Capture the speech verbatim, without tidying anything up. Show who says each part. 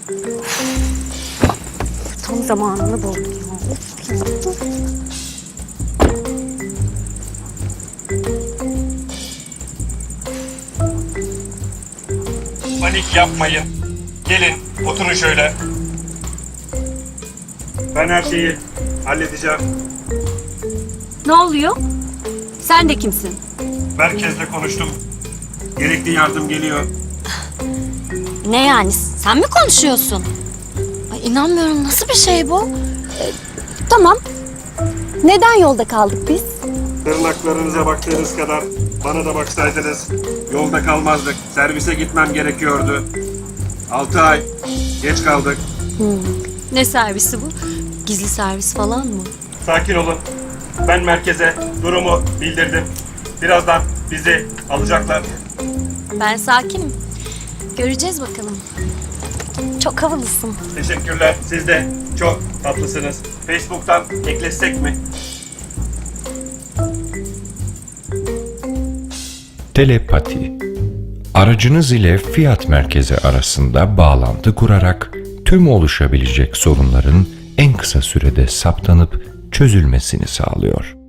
Speaker 1: Tam zamanını buldum ya. Of ya.
Speaker 2: Panik yapmayın. Gelin oturun şöyle. Ben her şeyi halledeceğim.
Speaker 1: Ne oluyor? Sen de kimsin?
Speaker 2: Merkezle konuştum. Gerekli yardım geliyor.
Speaker 1: Ne yani? Sen mi konuşuyorsun? Ay inanmıyorum. Nasıl bir şey bu? Ee, tamam. Neden yolda kaldık biz?
Speaker 2: Tırnaklarınıza baktığınız kadar bana da baksaydınız yolda kalmazdık. Servise gitmem gerekiyordu. Altı ay geç kaldık.
Speaker 1: Ne servisi bu? Gizli servis falan mı?
Speaker 2: Sakin olun. Ben merkeze durumu bildirdim. Birazdan bizi alacaklar.
Speaker 1: Ben sakinim. Göreceğiz bakalım. Çok havalısın.
Speaker 2: Teşekkürler. Siz de çok tatlısınız. Facebook'tan eklesek mi?
Speaker 3: Telepati. Aracınız ile fiyat merkezi arasında bağlantı kurarak tüm oluşabilecek sorunların en kısa sürede saptanıp çözülmesini sağlıyor.